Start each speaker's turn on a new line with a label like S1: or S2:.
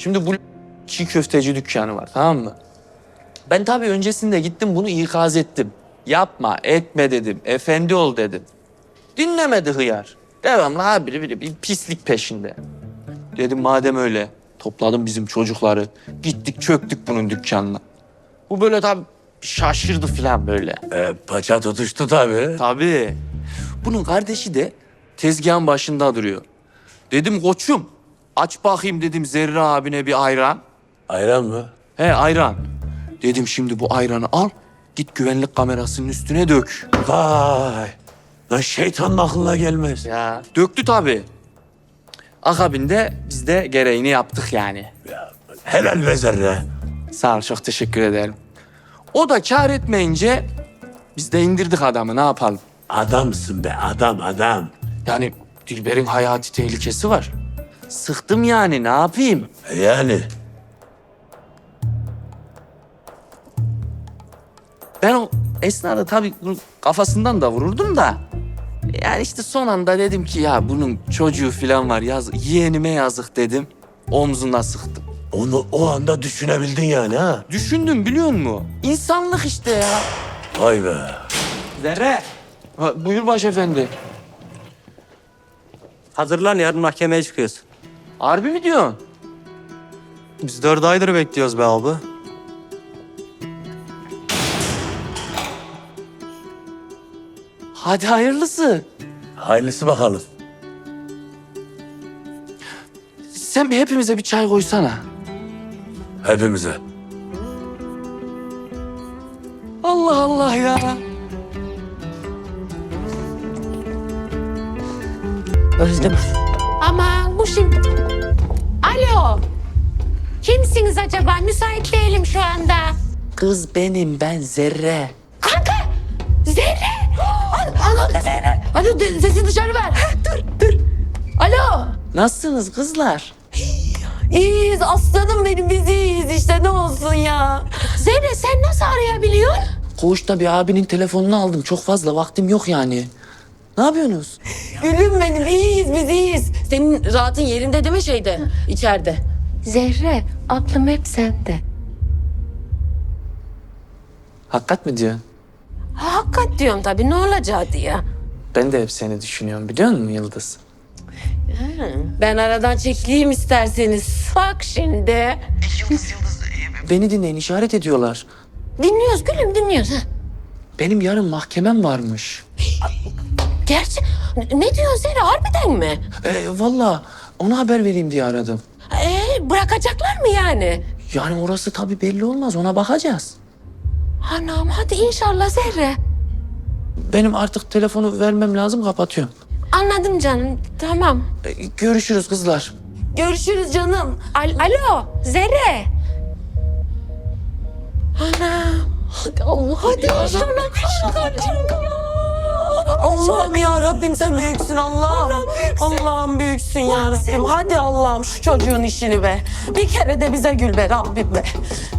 S1: Şimdi bu çiğ köfteci dükkanı var, tamam mı? Ben tabii öncesinde gittim bunu ikaz ettim. Yapma, etme dedim. Efendi ol dedim. Dinlemedi hıyar. Devamlı habire bir pislik peşinde. Dedim madem öyle, topladım bizim çocukları. Gittik çöktük bunun dükkanına. Bu böyle tabii şaşırdı falan böyle.
S2: Paça tutuştu tabii.
S1: Tabii. Bunun kardeşi de tezgahın başında duruyor. Dedim koçum, aç bakayım dedim Zerre abine bir ayran.
S2: Ayran mı?
S1: He ayran. Dedim şimdi bu ayranı al, git güvenlik kamerasının üstüne dök.
S2: Vay. Lan şeytanın aklına gelmez.
S1: Ya. Döktü tabii. Akabinde biz de gereğini yaptık yani.
S2: Helal be Zerre.
S1: Sağ ol, çok teşekkür ederim. O da kâr etmeyince biz de indirdik adamı, ne yapalım?
S2: Adamsın be adam.
S1: Yani Dilber'in hayati tehlikesi var. Sıktım yani, ne yapayım?
S2: Yani
S1: Ben o esnada tabii bunun kafasından da vururdum da. Yani işte son anda dedim ki ya bunun çocuğu falan var, yeğenime yazık dedim. Omzuna sıktım.
S2: onu o anda düşünebildin yani ha.
S1: Düşündüm biliyor musun? İnsanlık işte ya.
S2: Vay be.
S1: Zerre. Buyur başefendi.
S3: Hazırlan, yarın mahkemeye çıkıyoruz.
S1: Harbi mi diyorsun?
S3: Biz 4 aydır bekliyoruz be abi.
S1: Hadi hayırlısı.
S2: Hayırlısı bakalım.
S1: Sen bir hepimize bir çay koysana.
S2: Hepimize.
S1: Allah Allah ya.
S3: Özlem.
S4: Aman bu şimdi... Alo. Kimsiniz acaba? Müsait değilim şu anda.
S1: Kız benim, ben Zerre.
S4: Kanka! Zerre! Alo Zerre! Alo sesi dışarı ver. Dur. Alo!
S1: Nasılsınız kızlar?
S4: İyiyiz aslanım benim, biz iyiyiz işte, ne olsun ya. Zerre sen nasıl arayabiliyorsun?
S1: Koğuşta bir abinin telefonunu aldım. Çok fazla vaktim yok yani. Ne yapıyorsunuz?
S4: Gülüm benim, iyiyiz biz iyiyiz. Senin rahatın yerinde değil mi şeyde, içeride? Zerre, aklım hep sende.
S1: Hakikat mi diyorsun?
S4: Hakikat diyorum tabii, ne olacağı diye.
S1: Ben de hep seni düşünüyorum biliyor musun Yıldız?
S4: Ben aradan çekileyim isterseniz. Bak şimdi.
S1: Beni dinleyin, işaret ediyorlar.
S4: Dinliyoruz gülüm, dinliyoruz. Ha.
S1: Benim yarın mahkemem varmış.
S4: Gerçi ne diyorsun Zerre, harbiden mi?
S1: Vallahi ona haber vereyim diye aradım.
S4: Bırakacaklar mı yani?
S1: Yani orası tabii belli olmaz, ona bakacağız.
S4: Anam hadi inşallah Zerre.
S1: Benim artık telefonu vermem lazım, kapatıyorum.
S4: Anladım canım, tamam.
S1: Görüşürüz kızlar.
S4: Görüşürüz canım. Alo Zerre. Anam. Hadi Allah, hadi inşallah. Allah'ım ya Rabbim, sen büyüksün Allah'ım. Allah'ım büyüksün ya Rabbim. Hadi Allah'ım şu çocuğun işini be. Bir kere de bize gül be Rabbim be.